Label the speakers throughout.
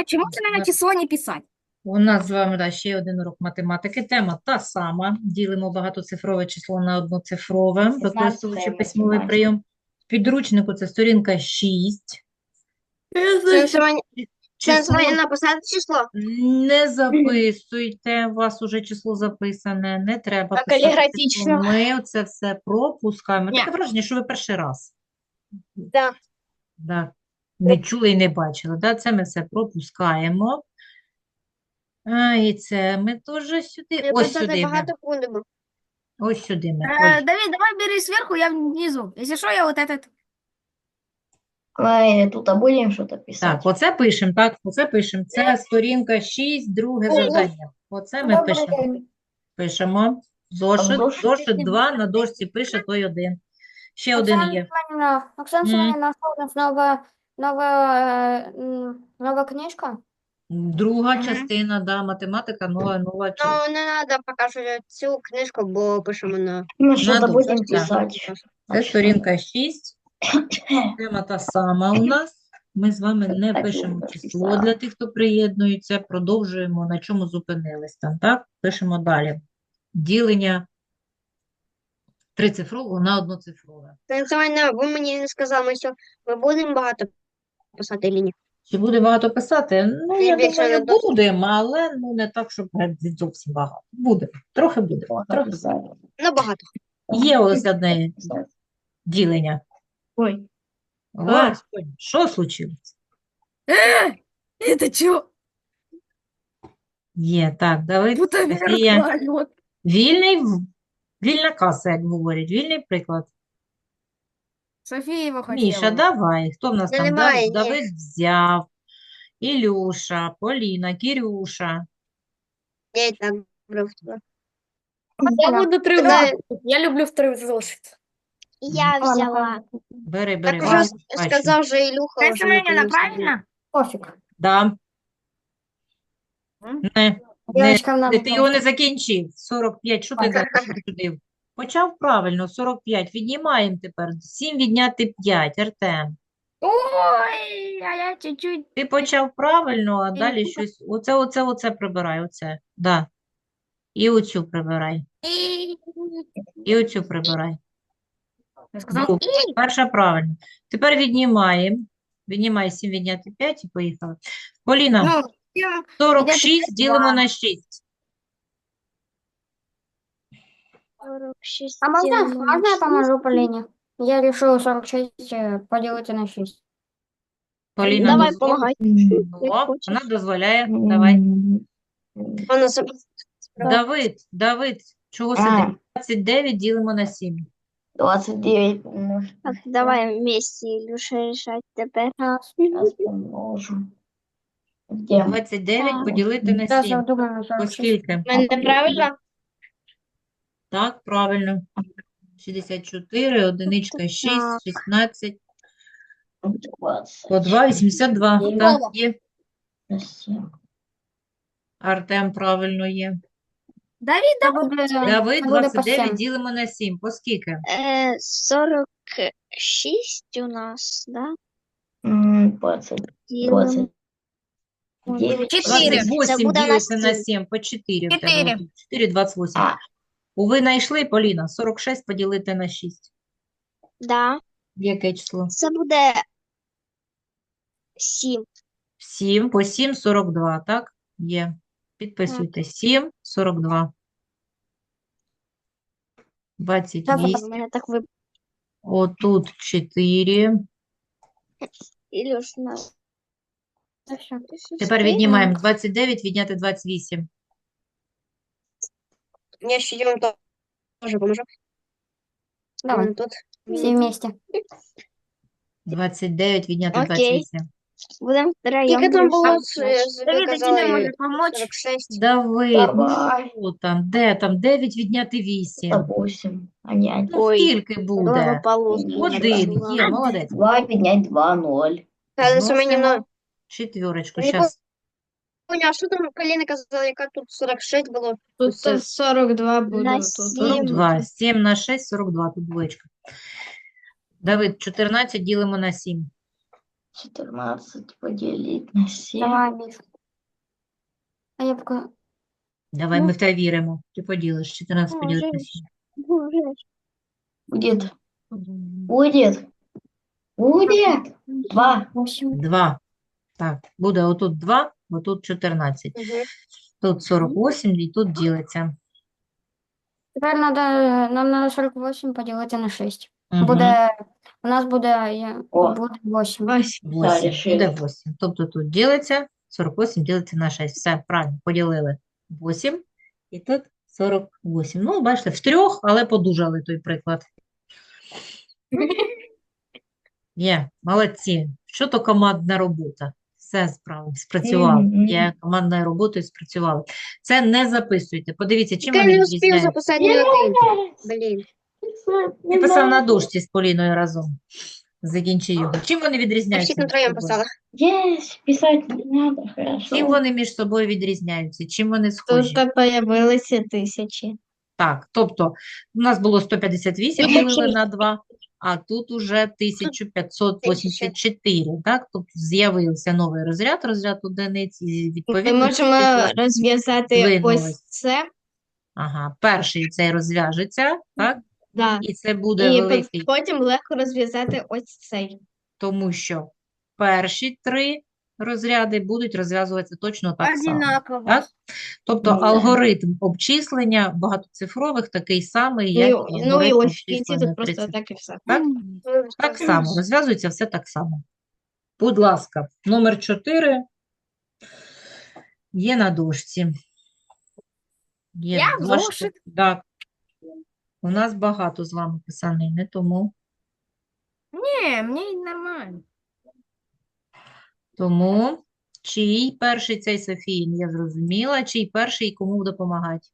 Speaker 1: Чому це на число не писати?
Speaker 2: У нас з вами ще один урок математики. Тема та сама. Ділимо багатоцифрове число на одноцифрове, використовуючи письмовий прийом. В підручнику це сторінка 6.
Speaker 3: Це
Speaker 2: Число
Speaker 3: написати число.
Speaker 2: не записуйте, у вас уже число записане, не треба
Speaker 3: А
Speaker 2: писати число.
Speaker 3: каліграфічно?
Speaker 2: Ми це все пропускаємо.
Speaker 1: Ні.
Speaker 2: Таке враження, що ви перший раз.
Speaker 3: Да.
Speaker 2: Да. Не чули і не бачили. Да? Це ми все пропускаємо. І це ми теж сюди. Ось сюди ми.
Speaker 3: багато будемо.
Speaker 2: Ось сюди ми. Ой.
Speaker 1: Давид, давай бери сверху, я внизу. Если что, я вот этот.
Speaker 4: Мы тут будем что-то
Speaker 2: Так,
Speaker 4: писать.
Speaker 2: оце пишемо, так, оце пишемо. Це сторінка 6, друге завдання. Оце ми пишемо. Пишемо. Зошит, зошит 2, на дошці пише той один. Ще один є.
Speaker 5: Оксана Семенівна, у нас нова книжка?
Speaker 2: Друга частина, да, математика, нова.
Speaker 3: Ну, не треба поки що цю книжку, бо пишемо на...
Speaker 4: Мы что-то
Speaker 2: Надо,
Speaker 4: будем
Speaker 2: да.
Speaker 4: писать.
Speaker 2: Це сторінка 6. Тема та сама у нас. Ми з вами не
Speaker 4: Так,
Speaker 2: пишемо
Speaker 4: я
Speaker 2: число
Speaker 4: написала.
Speaker 2: для тих, хто приєднується. Продовжуємо, на чому зупинились там, так? Пишемо далі. Ділення трицифрового на одноцифрове.
Speaker 3: Ви мені не сказали, що ми будемо багато писати чи ні?
Speaker 2: Чи буде багато писати? Ну,
Speaker 3: Ти
Speaker 2: я
Speaker 3: більше
Speaker 2: думаю,
Speaker 3: не досить.
Speaker 2: будемо, але не так, щоб від зовсім багато. Буде. Трохи буде. Трохи.
Speaker 3: Ну, багато.
Speaker 2: Є ось одне ділення.
Speaker 4: Ой,
Speaker 2: Господи, що случилось?
Speaker 1: Это что?
Speaker 2: Є, так, Давид,
Speaker 1: Будто
Speaker 2: Софія.
Speaker 1: вертолет.
Speaker 2: Вільна каса, як говорять, вільний приклад.
Speaker 1: София его хотела.
Speaker 2: Міша, давай. Хто в нас
Speaker 3: Та
Speaker 2: там?
Speaker 3: немає, ні.
Speaker 2: Давид взяв. Ілюша, Поліна, Кірюша.
Speaker 3: Я і так брав.
Speaker 5: Я буду три
Speaker 3: Давай.
Speaker 5: Я люблю в три зошит.
Speaker 3: Я взяла.
Speaker 2: Бери,
Speaker 3: Так
Speaker 2: бери.
Speaker 3: уже
Speaker 2: бачу.
Speaker 3: сказав же Ілюха.
Speaker 1: София
Speaker 3: вже
Speaker 1: Семеновна,
Speaker 3: наконец-то.
Speaker 1: правильно?
Speaker 5: Пофиг.
Speaker 2: Да. Не,
Speaker 5: Девочкам надо
Speaker 2: ти його не закінчив. 45, що ти закінчив? Почав правильно, 45. Віднімаємо тепер. 7 відняти 5, Артем.
Speaker 1: Ой, а я чуть-чуть.
Speaker 2: Ти почав правильно, а далі щось. Оце прибирай, оце. Да. І оцю прибирай. І оцю прибирай.
Speaker 1: Я сказал,
Speaker 2: Добре. Перша правильно. Тепер віднімаємо. Віднімай 7 відняти 5 і поїхали. Поліна,
Speaker 1: ну, я-
Speaker 2: 46 ділимо на 6.
Speaker 3: 46
Speaker 5: А можно я поможу Полине? Я решила 46 поделить на 6.
Speaker 2: Поліна,
Speaker 3: Давай,
Speaker 2: дозволь.
Speaker 3: помагай.
Speaker 2: О, вона дозволяє. Давай.
Speaker 3: Вона
Speaker 2: Давид, чого
Speaker 4: А.
Speaker 2: сидиш? 29 ділимо на 7.
Speaker 4: 29 умножить
Speaker 3: Так, давай вместе, Ілюша, рішать тепер.
Speaker 4: сейчас помножу. Где?
Speaker 2: 29 поділити на
Speaker 5: Сейчас я
Speaker 2: 7.
Speaker 5: думаю на 46.
Speaker 2: Оскільки?
Speaker 3: Мене правильно?
Speaker 2: Так, правильно. 64, одиничка 6, 16,
Speaker 4: 20
Speaker 2: по 2, 82. Так, є.
Speaker 4: на 7.
Speaker 2: Артем правильно є.
Speaker 1: Давид,
Speaker 5: Це буде,
Speaker 2: Давид,
Speaker 5: це буде по
Speaker 2: 29
Speaker 5: 7.
Speaker 2: ділимо на 7. По скільки?
Speaker 3: 46 у нас, да?
Speaker 4: 20. 29.
Speaker 1: 4.
Speaker 2: 28
Speaker 3: Це буде у нас
Speaker 2: ділиться на
Speaker 3: 7.
Speaker 2: 7, по 4 в тебе.
Speaker 1: 4.
Speaker 2: 4, 28.
Speaker 4: А.
Speaker 2: Ви знайшли, Поліна? 46 поділити на 6.
Speaker 3: Да.
Speaker 2: Яке число?
Speaker 3: Це буде 7.
Speaker 2: 7, по 7, 42, так? Є. Підписуйте. 7, 42. 28.
Speaker 3: У мене так вибрав.
Speaker 2: Отут 4.
Speaker 3: Ілюш, на.
Speaker 2: Тепер віднімаємо 29, відняти 28.
Speaker 3: Я ще вам теж поможу.
Speaker 5: Давай,
Speaker 3: Тут.
Speaker 5: все вместе.
Speaker 2: 29 відняти
Speaker 3: Окей.
Speaker 2: 28.
Speaker 3: Будемо втроєм.
Speaker 1: Скільки там було?
Speaker 3: рішати.
Speaker 1: Давид,
Speaker 3: Ви
Speaker 1: а тебе може
Speaker 3: казали
Speaker 1: помочь?
Speaker 3: 46.
Speaker 2: Давид,
Speaker 4: Давай.
Speaker 2: що там? Де там? 9 відняти 8.
Speaker 4: 8. А не 1.
Speaker 2: Ну,
Speaker 3: Ой,
Speaker 2: скільки буде?
Speaker 3: Благополучно.
Speaker 2: Один. Є, молодець.
Speaker 4: 2 поднять 2, 0.
Speaker 3: Та це мені
Speaker 2: Зносимо четвірочку.
Speaker 3: Не
Speaker 2: Зараз.
Speaker 3: поняла, а що там Поліна казала, яка тут 46 було?
Speaker 5: Тут 42
Speaker 3: На
Speaker 5: буде.
Speaker 2: 42. 7 на 6, 42. Тут двоєчка. Давид, 14 ділимо на 7.
Speaker 4: 14 поделить на 7.
Speaker 5: Давай, Миш. А я пока...
Speaker 2: Давай,
Speaker 5: Ну.
Speaker 2: ми в тебе віримо. Ти поділиш 14 поділити на 7.
Speaker 4: Будет. Будет. Будет. 2.
Speaker 5: 8.
Speaker 2: 2. Так, буде отут 2, отут 14.
Speaker 3: Мгм.
Speaker 2: Тут 48 і тут ділиться.
Speaker 5: Тепер нам надо 48 поділити на 6.
Speaker 2: Угу.
Speaker 5: У нас буде
Speaker 4: О.
Speaker 5: 8.
Speaker 3: Ось.
Speaker 2: 8.
Speaker 4: решили.
Speaker 2: Буде 8. Тобто тут ділиться, 48 ділиться на 6. Все, правильно, поділили 8 і тут 48. Ну, бачите, в трьох, але подужали той приклад. Є, молодці. Що то командна робота? Все спрацювало.
Speaker 4: Мгм.
Speaker 2: Є командною роботою спрацювали. Це не записуйте. Подивіться, чим
Speaker 3: Я
Speaker 2: вони
Speaker 3: не успів
Speaker 2: відрізняються.
Speaker 3: записати ні один. Блін.
Speaker 2: Я писав на дошці з Поліною разом. Закінчи його. Чим вони
Speaker 3: Я
Speaker 2: відрізняються
Speaker 3: всіх на
Speaker 2: між
Speaker 3: троєм
Speaker 2: собою?
Speaker 3: писала.
Speaker 4: Есть. Писать не надо, хорошо.
Speaker 2: Чим вони між собою відрізняються? Чим вони схожі?
Speaker 3: появилися 1000.
Speaker 2: Так, тобто у нас було 158 ділили на 2, а тут уже 1584, так? Тобто з'явився новий розряд одиниць, і
Speaker 3: Ми
Speaker 2: відповідно
Speaker 3: можемо розв'язати
Speaker 2: здвинулись.
Speaker 3: ось це.
Speaker 2: Ага, перший цей розв'яжеться, так?
Speaker 3: Да.
Speaker 2: І це буде
Speaker 3: І
Speaker 2: великий,
Speaker 3: потім легко розв'язати ось цей.
Speaker 2: тому що перші три розряди будуть розв'язуватися точно так само.
Speaker 1: Одинаково.
Speaker 2: Так? Тобто
Speaker 4: Ну, да.
Speaker 2: алгоритм обчислення багатоцифрових такий самий, як і
Speaker 3: Ну і
Speaker 2: алгоритм
Speaker 3: ось в кінці
Speaker 2: обчислення
Speaker 3: тут просто
Speaker 2: 30.
Speaker 3: так і все.
Speaker 2: Так? Так само, розв'язується все так само. Будь ласка, номер 4 є на дошці. Є
Speaker 1: Я
Speaker 2: два
Speaker 1: зошит.
Speaker 2: Так. У нас багато з вами писанини, тому
Speaker 1: Мне нормально.
Speaker 2: чий перший цей Софіїн, я зрозуміла, чий перший і кому допомагати.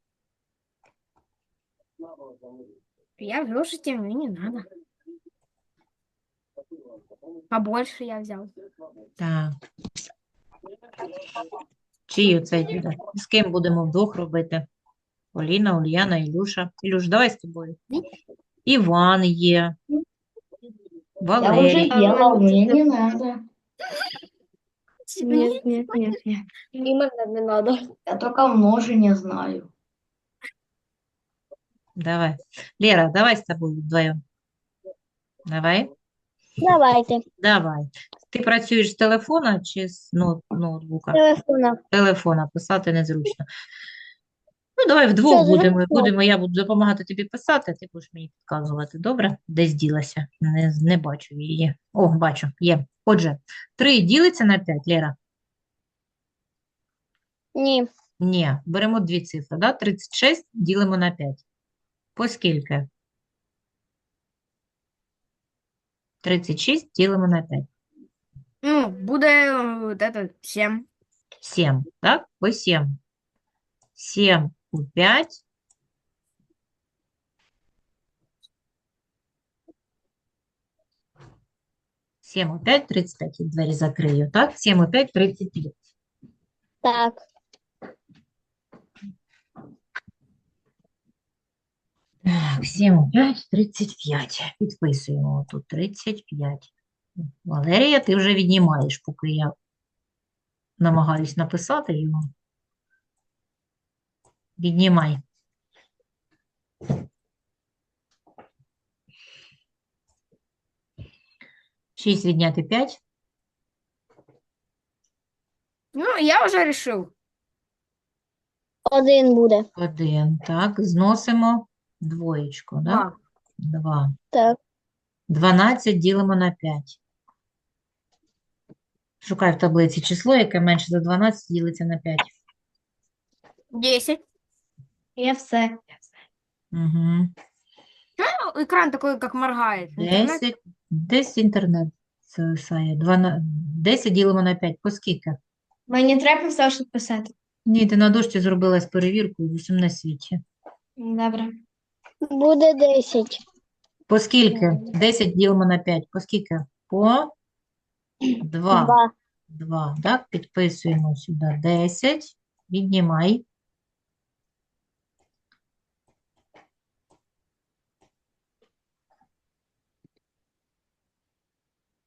Speaker 1: Я в зошите, мне не надо. Побольше я взял.
Speaker 2: Так. Чий оцей буде? З ким будемо вдвох робити? Поліна, Ульяна, Ілюша. Ілюш, давай з тобою. Іван є.
Speaker 4: Я уже
Speaker 2: Валерій.
Speaker 4: делал, мне не надо.
Speaker 3: Ні, ні, ні, ні. І мене не треба.
Speaker 4: Я только множение знаю.
Speaker 2: Давай. Лера, давай з тобою вдвоєм. Давай.
Speaker 5: Давайте.
Speaker 2: Давай. Ти працюєш з телефона чи з ноутбука?
Speaker 5: Телефона.
Speaker 2: Телефона, писати незручно. Ну, давай вдвох
Speaker 5: Все,
Speaker 2: будемо. Я буду допомагати тобі писати, а ти будеш мені підказувати. Добре? Десь ділася. Не бачу її. О, бачу, є. Отже, 3 ділиться на 5, Лера?
Speaker 5: Ні.
Speaker 2: Ні, беремо дві цифри, да? 36 ділимо на 5. По скільки? 36 ділимо на 5.
Speaker 1: Ну, буде вот это 7.
Speaker 2: 7, так? По 7. 7 у 5. Сім у 5, 35. Я двері закрию, так? 7 у 5, 35.
Speaker 5: Так.
Speaker 2: Так, 7 у 5, 35. Підписуємо тут 35. Валерія, ти вже віднімаєш, поки я намагаюсь написати його. Віднімай. Шість відняти 5.
Speaker 1: Ну, я уже решил.
Speaker 5: 1 буде.
Speaker 2: 1. Так, зносимо двоєчку, да?
Speaker 1: 2.
Speaker 2: 2.
Speaker 5: Так.
Speaker 2: 12 ділимо на 5. Шукай в таблиці число, яке менше за 12 ділиться на 5.
Speaker 1: 10.
Speaker 3: Я все.
Speaker 2: Угу.
Speaker 1: Ну, экран такой, как моргает. Интернет.
Speaker 2: 10. Десь інтернет зависає. 10 ділимо на 5. По скільки?
Speaker 3: Мені треба все що писати.
Speaker 2: Ні, ти на дошці зробила з перевіркою з усім на світі.
Speaker 3: Добре.
Speaker 5: Буде 10.
Speaker 2: По скільки? 10 ділимо на 5. По скільки? По 2.
Speaker 5: 2.
Speaker 2: 2. Так, підписуємо сюди 10. Віднімай.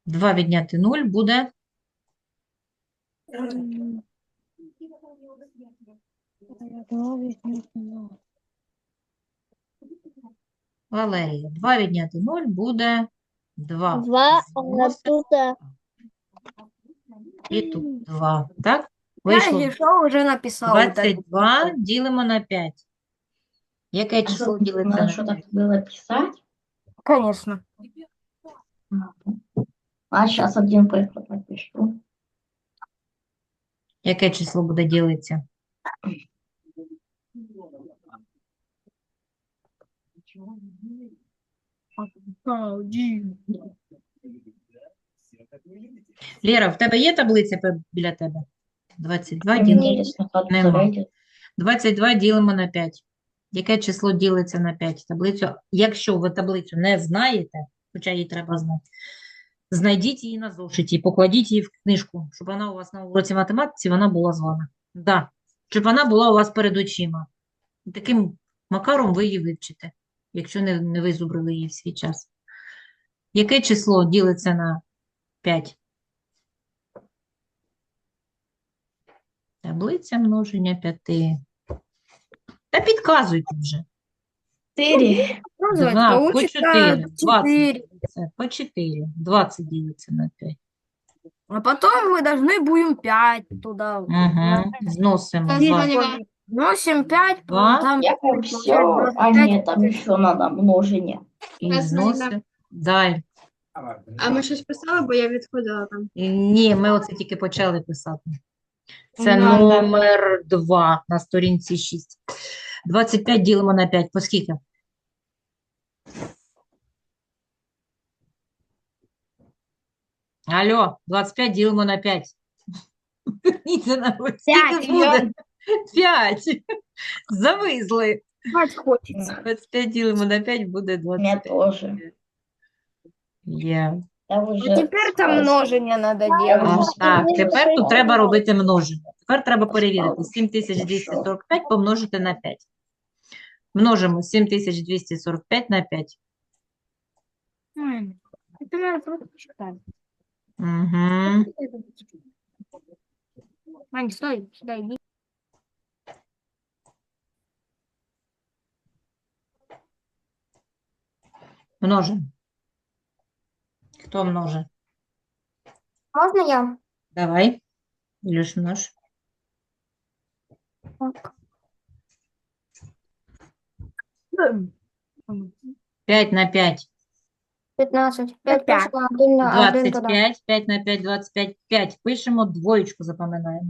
Speaker 2: 2 відняти 0 буде Валерія. 2 відняти 0 буде 2.
Speaker 3: Два,
Speaker 2: Зносимо. І тут 2. Так?
Speaker 1: Я
Speaker 2: Вийшло
Speaker 1: решил, уже написал. Вот это.
Speaker 2: 22 ділимо на 5. Яке
Speaker 4: А
Speaker 2: число
Speaker 4: что,
Speaker 2: ділиться
Speaker 4: надо
Speaker 2: на
Speaker 4: что-то
Speaker 2: 5?
Speaker 4: было писать?
Speaker 1: Конечно.
Speaker 4: А сейчас один приклад напишу.
Speaker 2: Яке число буде ділитися? Лєра, в тебе є таблиця біля тебе? 22
Speaker 4: Мне
Speaker 2: ділимо.
Speaker 4: интересно, как
Speaker 2: Нема.
Speaker 4: зарядить.
Speaker 2: 22 ділимо на 5. Яке число ділиться на 5? Таблицю. Якщо ви таблицю не знаєте, хоча її треба знати, знайдіть її на зошиті, покладіть її в книжку, щоб вона у вас на уроці математиці вона була з вами. Да. Щоб вона була у вас перед очима. Таким макаром ви її вивчите, якщо не визубрили її в свій час. Яке число ділиться на 5? Таблиця множення 5. Та підказуйте вже.
Speaker 4: 4.
Speaker 1: Показывать
Speaker 2: 2 по
Speaker 1: получится
Speaker 2: 4. 20
Speaker 1: 4.
Speaker 2: ділиться. По 4. 20 ділиться на 5.
Speaker 1: А потом мы должны будем 5 туда.
Speaker 2: Угу. Зносимо 2.
Speaker 1: Носим 5,
Speaker 2: Два.
Speaker 1: там
Speaker 4: Я как
Speaker 1: получается
Speaker 4: все, а
Speaker 1: 25.
Speaker 4: нет, там еще надо множение.
Speaker 2: І зносимо. Далі.
Speaker 3: А ми щось писали, бо я відходила там.
Speaker 2: Ні, ми оце тільки почали писати. Це
Speaker 1: Да, да.
Speaker 2: номер 2 на сторінці 6. 25 ділимо на 5. По скільки? Алло, 25 ділимо на 5. Верніться на ось. Скільки
Speaker 1: П'ять,
Speaker 2: буде? 5. Завизли.
Speaker 1: Спать хочется.
Speaker 2: 25 ділимо на 5 буде
Speaker 4: Мне
Speaker 2: 25.
Speaker 4: тоже.
Speaker 2: Є.
Speaker 4: Я
Speaker 1: А
Speaker 4: уже
Speaker 1: теперь там
Speaker 4: спать.
Speaker 1: множение надо
Speaker 4: Я
Speaker 1: делать.
Speaker 4: вже
Speaker 2: Так,
Speaker 4: спать.
Speaker 2: тепер тут треба робити множення. Тепер треба перевірити. 7245 помножити на 5. Множимо 7245 на 5.
Speaker 1: Это надо просто читать.
Speaker 2: Угу.
Speaker 1: Ань, стой, сюда иди.
Speaker 2: Множимо. Хто множить?
Speaker 5: Можно я?
Speaker 2: Давай. Ілюш, множ.
Speaker 5: Так.
Speaker 2: 5 на 5.
Speaker 5: 15. 5
Speaker 1: 5.
Speaker 5: пошла, один туда.
Speaker 2: 25. 5 на 5, 25. 5. Пишемо, двоєчку запам'ятаємо.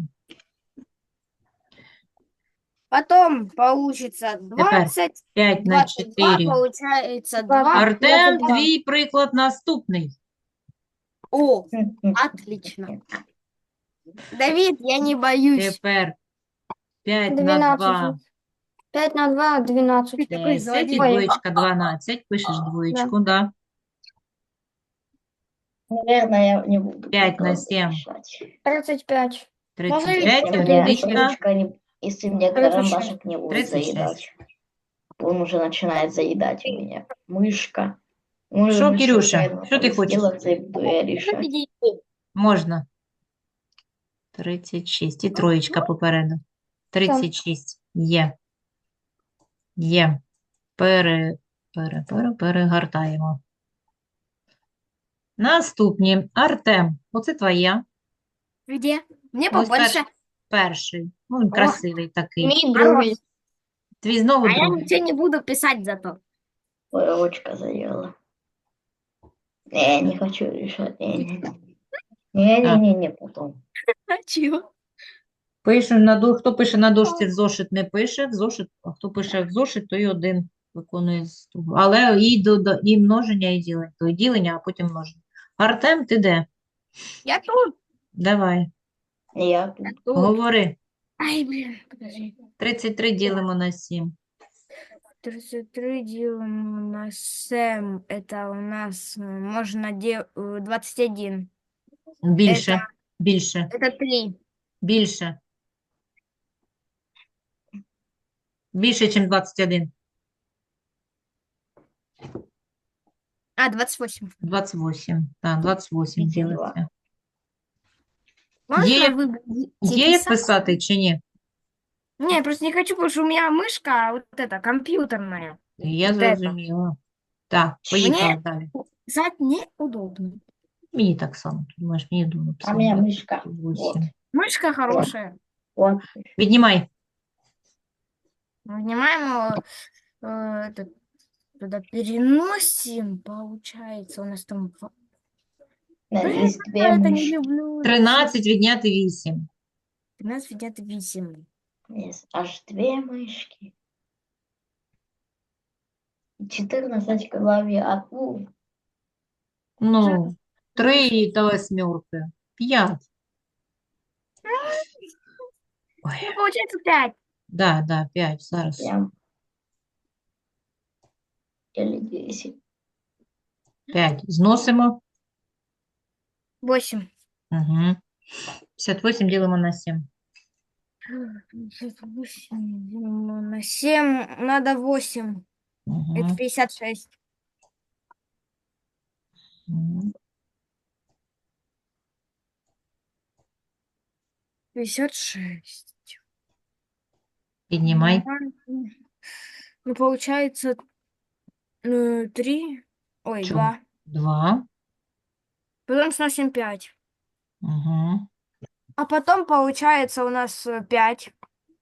Speaker 1: Потом получится 20.
Speaker 2: 5 на
Speaker 1: 22
Speaker 2: 4.
Speaker 1: получается
Speaker 5: Два.
Speaker 1: 2.
Speaker 2: Артем,
Speaker 5: 22.
Speaker 2: твій приклад наступний.
Speaker 1: О, отлично. Давид, я не боюсь.
Speaker 2: Тепер 5 на
Speaker 5: 12.
Speaker 2: 2.
Speaker 5: 5 на 2, 12.
Speaker 1: Ты такой
Speaker 2: 10 і
Speaker 1: злодей.
Speaker 2: двоєчка 12. Пишеш двоєчку, да.
Speaker 4: Наверное, я не буду.
Speaker 2: 5 на
Speaker 4: приклады
Speaker 2: 7.
Speaker 4: решать.
Speaker 5: 35.
Speaker 2: 35,
Speaker 4: Если мне
Speaker 2: одиничка.
Speaker 4: ручка если мне
Speaker 5: 36.
Speaker 4: карандашик не будет
Speaker 2: 36.
Speaker 4: заедать. Он уже начинает заедать у меня. Мышка. Может,
Speaker 2: Що,
Speaker 4: мышка
Speaker 2: Кирюша,
Speaker 4: наверное,
Speaker 2: що ти хочеш?
Speaker 4: сделаться и буду я решать.
Speaker 2: Можна. 36. І троєчка попереду. 36. Є. Є. Перегортаємо. Наступні. Артем. Оце твоя.
Speaker 1: Где? Мне
Speaker 2: Ось
Speaker 1: побольше.
Speaker 2: перший. Ну, він красивий такий.
Speaker 3: Мій другий.
Speaker 2: Твій знову
Speaker 1: А я
Speaker 2: другий.
Speaker 1: ничего не буду писать зато.
Speaker 4: Ой, ручка заела. Не, не хочу решать. Не, потом.
Speaker 1: А чего?
Speaker 2: Пише хто пише на дошці в зошит, не пише в зошит, а хто пише в зошит, той один виконує з того. Але і множення, і ділення. То і ділення, а потім множення. Артем, ти де?
Speaker 1: Я тут.
Speaker 2: Давай,
Speaker 4: Я тут.
Speaker 1: Тут.
Speaker 2: говори.
Speaker 1: Ай, блин, подожди.
Speaker 2: 33 ділимо на 7.
Speaker 1: 33 делим на 7. Это у нас можно 21.
Speaker 2: Більше, більше,
Speaker 1: Это 3.
Speaker 2: більше. Більше, ніж 21.
Speaker 1: А, 28.
Speaker 2: 28. Так, 28
Speaker 4: 32.
Speaker 2: ділиться.
Speaker 1: Можно
Speaker 2: Є,
Speaker 1: выбрать
Speaker 2: є як
Speaker 1: писать?
Speaker 2: писати чи ні?
Speaker 1: Не, я просто не хочу, потому что у меня мышка вот эта, компьютерная.
Speaker 2: Я
Speaker 1: Вот это.
Speaker 2: зрозуміла. Так,
Speaker 1: Мне
Speaker 2: поїхали далі.
Speaker 1: писать неудобно.
Speaker 2: Мені так само. Ти думаєш, мені удобно
Speaker 4: А у
Speaker 2: писати.
Speaker 4: меня мышка.
Speaker 2: 28.
Speaker 1: Мышка хорошая.
Speaker 4: Вот.
Speaker 2: Віднімай.
Speaker 1: Внимаем, этот, туда переносим, получается, у нас там...
Speaker 4: Да,
Speaker 1: Блин,
Speaker 4: есть две
Speaker 1: я это не
Speaker 4: мышки.
Speaker 1: люблю. это
Speaker 2: 13 відняти 8.
Speaker 1: 13 ведят 8.
Speaker 4: Есть аж две мышки. 14 клавиатур.
Speaker 2: Ну, 3 та восьмерки. 5. Ой,
Speaker 1: Ну, получается 5.
Speaker 2: да, 5 зараз.
Speaker 4: Прям. Или 10.
Speaker 2: 5. Зносимо.
Speaker 1: 8.
Speaker 2: Угу. 58 ділимо на 7.
Speaker 1: 58 на 7 надо 8. Это
Speaker 2: Угу.
Speaker 1: 56. 56.
Speaker 2: Піднімай.
Speaker 1: Ну, получается 3. Ой,
Speaker 2: Чому?
Speaker 1: 2.
Speaker 2: 2.
Speaker 1: Потом сносим 5.
Speaker 2: Угу.
Speaker 1: А потом получается у нас 5.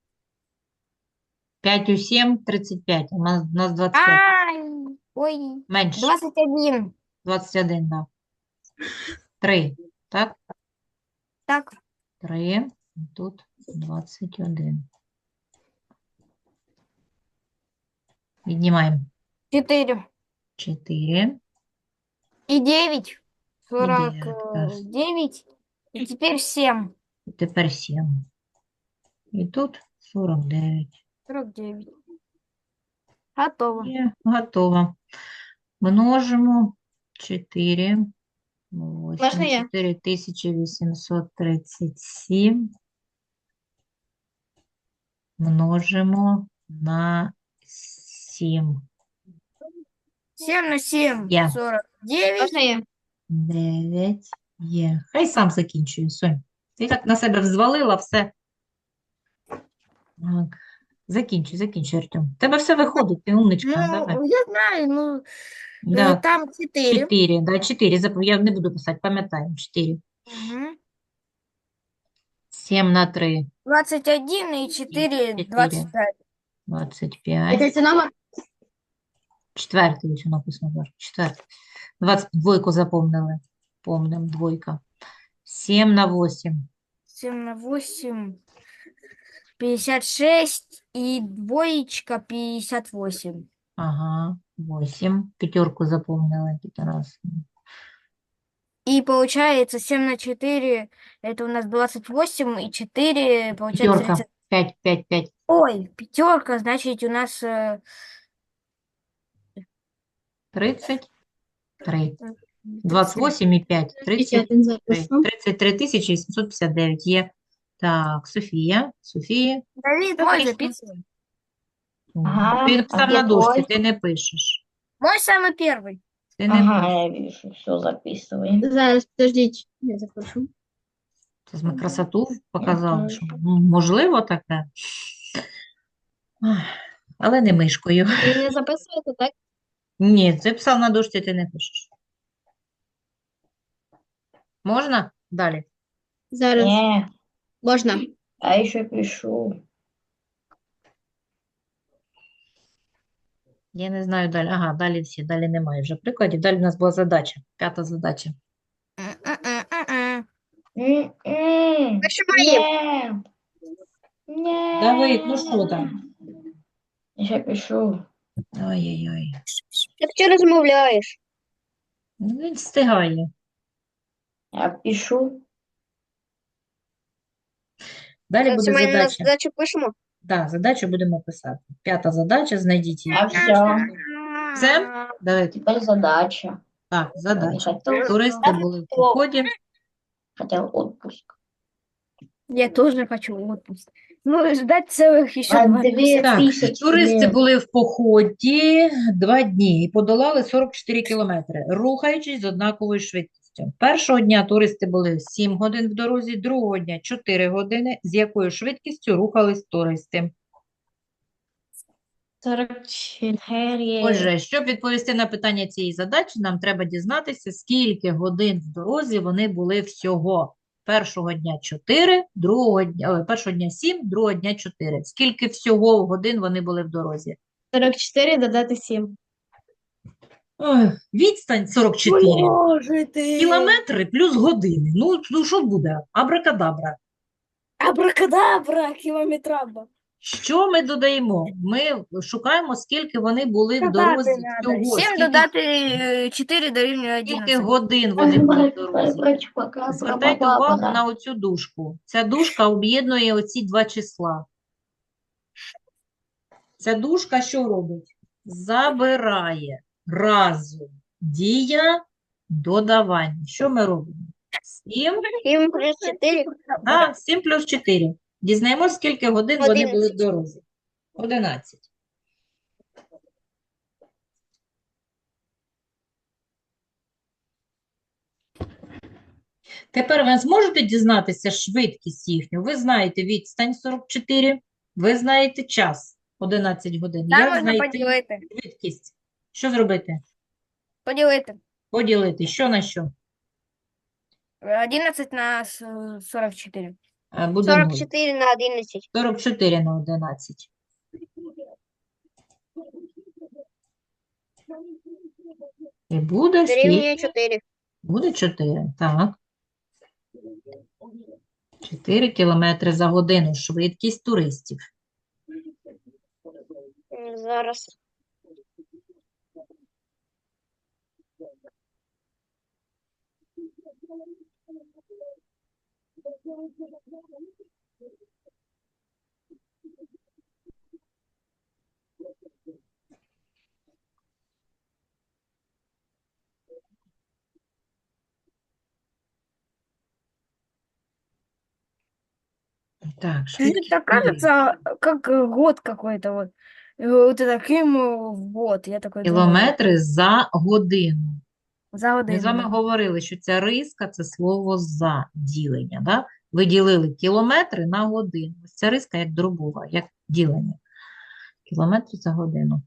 Speaker 2: 5 у 7 – 35. У нас 25.
Speaker 1: Ай, ой,
Speaker 2: Менше.
Speaker 1: 21.
Speaker 2: 21, да. 3. Так?
Speaker 1: Так,
Speaker 2: 3. Тут 21. Віднімаємо.
Speaker 1: 4.
Speaker 2: 4.
Speaker 1: И 9.
Speaker 2: девять,
Speaker 1: 49. И теперь 7.
Speaker 2: І тепер 7. І тут 49.
Speaker 1: 49. Готово.
Speaker 2: Є, готово. Множимо 4. 8,
Speaker 3: Можна я?
Speaker 2: 4837. Множимо на 7.
Speaker 1: 7 на 7.
Speaker 2: Я.
Speaker 1: 49.
Speaker 3: Можна я?
Speaker 2: 9 є. Хай сам закінчує, Сонь. Ти так на себе взвалила все. Так. Закінчуй, Артем. Тебе все виходить, ти умничка. Давай.
Speaker 1: Ну, я знаю, ну,
Speaker 2: Да.
Speaker 1: там 4.
Speaker 2: 4, да, 4. Я не буду писати, пам'ятаємо. 4.
Speaker 1: Угу.
Speaker 2: 7 на 3.
Speaker 1: 21 и 4, 25.
Speaker 2: 25.
Speaker 3: Це номер?
Speaker 2: Четвертий ось написано. Боже, четвертий. 22 запомнили. Помним, двойка. 7 на 8.
Speaker 1: 7 на 8. 56 и двоечка 58.
Speaker 2: Ага, 8. Пятерку запомнили. Тут раз.
Speaker 1: И получается 7 на 4, это у нас 28, и 4, получается
Speaker 2: Пятерка.
Speaker 1: 30.
Speaker 2: 5, 5, 5.
Speaker 1: Ой, пятерка, значит, у нас
Speaker 2: 33. 28 і 5. 33. 33 тисячі 759 є. Так, Софія. Софія.
Speaker 1: Давид, мой записывай.
Speaker 4: Ага,
Speaker 2: Ти
Speaker 4: а
Speaker 2: написав
Speaker 4: где
Speaker 2: на дошці,
Speaker 4: твой?
Speaker 2: ти не пишеш.
Speaker 1: Мой самый первый.
Speaker 2: Ти не
Speaker 4: Ага, я вижу, все записываем.
Speaker 3: Зараз, подождіть. Я запишу.
Speaker 2: Це ми красоту показали,
Speaker 4: теж.
Speaker 2: що можливо таке. Ах, але не мишкою.
Speaker 3: Ви не записуєте, так?
Speaker 2: Ні, це писав на дошці, ти не пишеш. Можна? Далі.
Speaker 3: Зараз.
Speaker 4: Не,
Speaker 3: Можна.
Speaker 4: а еще пишу.
Speaker 2: Я не знаю далі. Ага, далі всі, далі немає вже прикладів. Далі у нас була задача, 5 задача.
Speaker 1: М-м-м-м-м.
Speaker 4: Нет. Нет.
Speaker 2: Давид, ну що там?
Speaker 4: Еще пишу.
Speaker 2: Ой-ой-ой.
Speaker 3: Як ти розмовляєш?
Speaker 2: Ну, він встигає.
Speaker 4: Я пишу.
Speaker 2: Далі буде
Speaker 3: Це ми на
Speaker 2: задача.
Speaker 3: задачу пишемо?
Speaker 2: Так, задачу будемо писати. 5 задача, знайдіть її.
Speaker 4: А все.
Speaker 2: Це? Давид.
Speaker 4: Теперь задача.
Speaker 2: Так,
Speaker 4: Не
Speaker 2: задача.
Speaker 4: хотел,
Speaker 2: Туристи були в поході.
Speaker 4: хотел отпуск.
Speaker 1: Я тоже хочу отпуск. Ну, ждать целых еще
Speaker 4: А
Speaker 1: 2 месяца.
Speaker 2: Так,
Speaker 4: 2000
Speaker 2: туристи
Speaker 4: лет.
Speaker 2: були в поході 2 дні і подолали 44 кілометри, рухаючись з однаковою швидкістю. Першого дня туристи були 7 годин в дорозі, другого дня 4 години. З якою швидкістю рухались туристи?
Speaker 4: 44.
Speaker 2: Отже, щоб відповісти на питання цієї задачі, нам треба дізнатися, скільки годин в дорозі вони були всього. Першого дня 4, першого дня 7, другого дня 4. Скільки всього годин вони були в дорозі?
Speaker 6: 44 додати 7.
Speaker 2: Ой, відстань 44.
Speaker 1: Боже ты!
Speaker 2: Кілометри плюс години. Ну що буде? Абракадабра.
Speaker 1: Абракадабра, километраба.
Speaker 2: Що ми додаємо? Ми шукаємо, скільки вони були в
Speaker 1: Додати
Speaker 2: дорозі
Speaker 1: надо.
Speaker 2: всього.
Speaker 1: 7 додати 4 дорівнює
Speaker 2: Скільки
Speaker 1: 11.
Speaker 2: годин вони були в дорозі? Звертайте увагу на оцю дужку. Ця дужка об'єднує оці два числа. Ця дужка що робить? Забирає разом дія додавання. Що ми робимо? 7,
Speaker 3: 7 плюс 4.
Speaker 2: 7 плюс 4. Дізнаємося, скільки годин вони були в
Speaker 3: 11.
Speaker 2: дорозі. 11. Тепер ви зможете дізнатися швидкість їхню. Ви знаєте відстань 44, ви знаєте час 11 годин.
Speaker 1: Там
Speaker 2: Як
Speaker 1: можна
Speaker 2: знайти
Speaker 1: поділити.
Speaker 2: швидкість? Що зробити?
Speaker 1: Поділити.
Speaker 2: Поділити. Що на що?
Speaker 1: 11 на 44.
Speaker 2: Буде 0.
Speaker 3: 44 на 11.
Speaker 2: 44 на 11. І буде
Speaker 3: Дорівнює
Speaker 2: скільки?
Speaker 3: 4.
Speaker 2: Буде 4. Так. 4 кілометри за годину. Швидкість туристів.
Speaker 3: Зараз.
Speaker 2: Так,
Speaker 1: Так
Speaker 2: швидкість туристів.
Speaker 1: кажется, как год какой-то вот. Вот это Крым в год. Я такой думаю,
Speaker 2: Кілометри за годину.
Speaker 1: за
Speaker 2: Ми з вами
Speaker 1: годину.
Speaker 2: говорили, що ця риска – це слово «за» ділення. Да? Ви ділили кілометри на годину. Ось ця риска як дробова, як ділення. Кілометри за годину.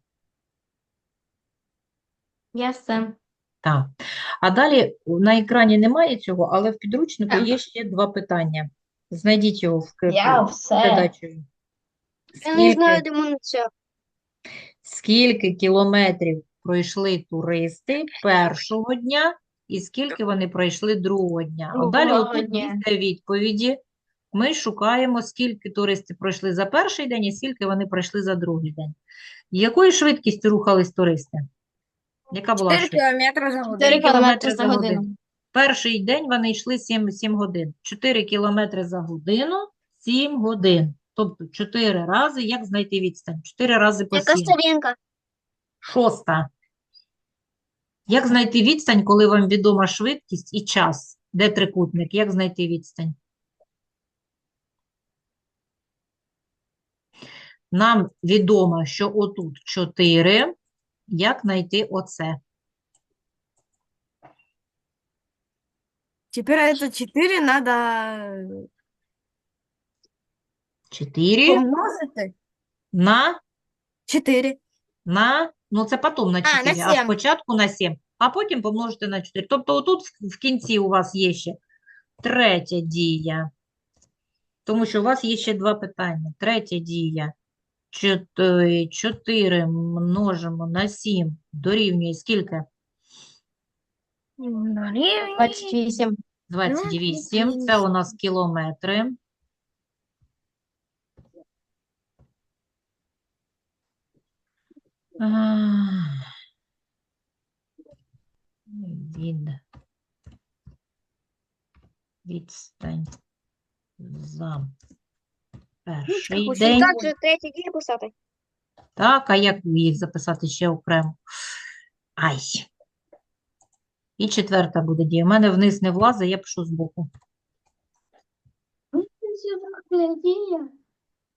Speaker 6: Ясно.
Speaker 2: Так. А далі на екрані немає цього, але в підручнику
Speaker 4: Так.
Speaker 2: є ще два питання. Знайдіть його в
Speaker 4: Я все.
Speaker 2: задачею.
Speaker 3: Я не знаю, де мене це.
Speaker 2: Скільки кілометрів пройшли туристи першого дня і скільки вони пройшли другого дня? От далі
Speaker 6: Другого
Speaker 2: отут
Speaker 6: дня.
Speaker 2: після відповіді ми шукаємо, скільки туристи пройшли за перший день і скільки вони пройшли за другий день. Якою швидкістю рухались туристи? Яка була
Speaker 1: 4
Speaker 2: швидкість?
Speaker 1: кілометри за
Speaker 6: 4
Speaker 1: годину.
Speaker 6: кілометри за годину.
Speaker 2: Перший день вони йшли 7 годин. 4 кілометри за годину, 7 годин. Тобто 4 рази, як знайти відстань? 4 рази по
Speaker 3: Яка
Speaker 2: 7.
Speaker 3: сторінка?
Speaker 2: 6. Як знайти відстань, коли вам відома швидкість і час? Де трикутник? Як знайти відстань? Нам відомо, що отут 4. Як знайти оце?
Speaker 1: Тепер это 4 надо
Speaker 2: 4
Speaker 1: помножити.
Speaker 2: на
Speaker 1: 4.
Speaker 2: ну це потім на
Speaker 1: на
Speaker 2: 4, а
Speaker 1: 7.
Speaker 2: спочатку на 7, а потім помножити на 4. Тобто отут в кінці у вас є ще третя дія, тому що у вас є ще два питання. Третя дія. 4 множимо на 7 дорівнює скільки?
Speaker 1: Дорівнює
Speaker 6: 28.
Speaker 2: 28. Це у нас кілометри. Відстань за перший
Speaker 1: Хочеш
Speaker 2: день.
Speaker 3: Так, же третя дія писати.
Speaker 2: Так, а як їх записати ще окремо? Ай. І четверта буде дія. У мене вниз не влазить, я пишу збоку.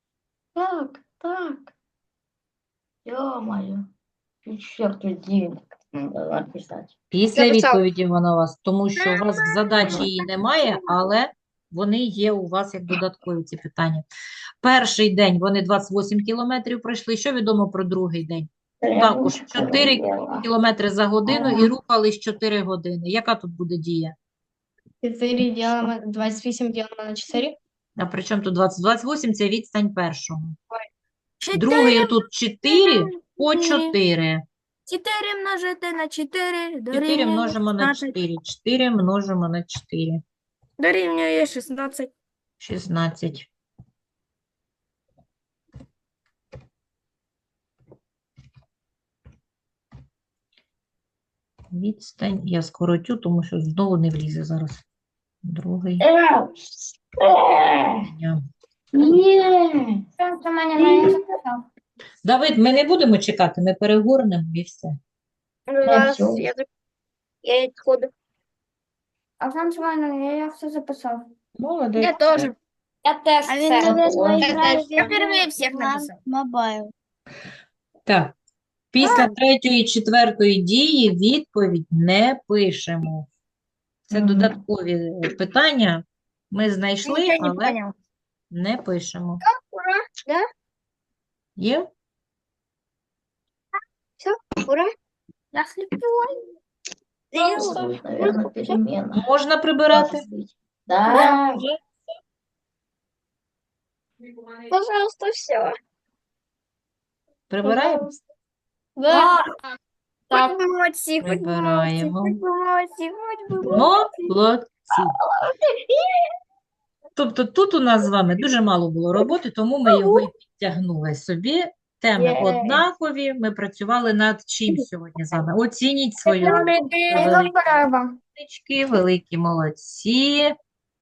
Speaker 4: Так. Ё-моё. И черту день надо написать.
Speaker 2: Після
Speaker 3: Записав.
Speaker 2: відповіді вона у вас, тому що у вас в задачі її немає, але вони є у вас як додаткові ці питання. Перший день вони 28 кілометрів пройшли. Що відомо про другий день? Також 4 кілометри за годину і рухались 4 години. Яка тут буде дія?
Speaker 6: 4 делимо, 28 делимо на 4.
Speaker 2: А при чому тут 20? 28 – це відстань першого.
Speaker 1: 4,
Speaker 2: Другий тут 4 по 4.
Speaker 1: 4 множити на 4
Speaker 2: 4
Speaker 1: дорівнює
Speaker 2: множимо на
Speaker 1: 16.
Speaker 2: 4. 4 множимо на 4.
Speaker 1: Дорівнює 16.
Speaker 2: 16. Відстань я скоротю, тому що знову не влізе зараз. Другий дня.
Speaker 5: Це мене не записав.
Speaker 2: Давид, ми не будемо чекати, ми перегорнемо і все.
Speaker 3: Ну, зараз
Speaker 4: всё.
Speaker 3: я відходу.
Speaker 5: А сам Семенович, я все записав.
Speaker 2: Молодець.
Speaker 1: Я теж.
Speaker 5: Я теж
Speaker 1: А він
Speaker 5: все.
Speaker 1: не Я впервые всіх написав.
Speaker 6: Мобайл.
Speaker 2: Так. Після третьої і четвертої дії відповідь не пишемо. Це
Speaker 4: Мгм.
Speaker 2: додаткові питання. Ми знайшли,
Speaker 1: Нічого не
Speaker 2: але
Speaker 1: поняв.
Speaker 2: не пишемо.
Speaker 3: Ура, да?
Speaker 2: Є?
Speaker 3: Ура.
Speaker 1: Я сліплю.
Speaker 4: Наверное, перемена.
Speaker 2: Можна прибирати?
Speaker 4: Может быть. Да.
Speaker 3: Пожалуйста, все.
Speaker 2: Прибираємо?
Speaker 6: Да.
Speaker 1: Хоч би молодці, хоч би молодці,
Speaker 2: Прибираємо.
Speaker 1: хоч би молодці, хоч би молодці.
Speaker 2: Молодці. Тобто тут у нас з вами дуже мало було роботи, тому ми його і підтягнули собі. Теми
Speaker 3: Є.
Speaker 2: однакові. Ми працювали над чим сьогодні з вами? Оцініть свою роботу.
Speaker 1: Молодець.
Speaker 2: Великі
Speaker 5: Яка перерва?
Speaker 2: молодчики, великі молодці.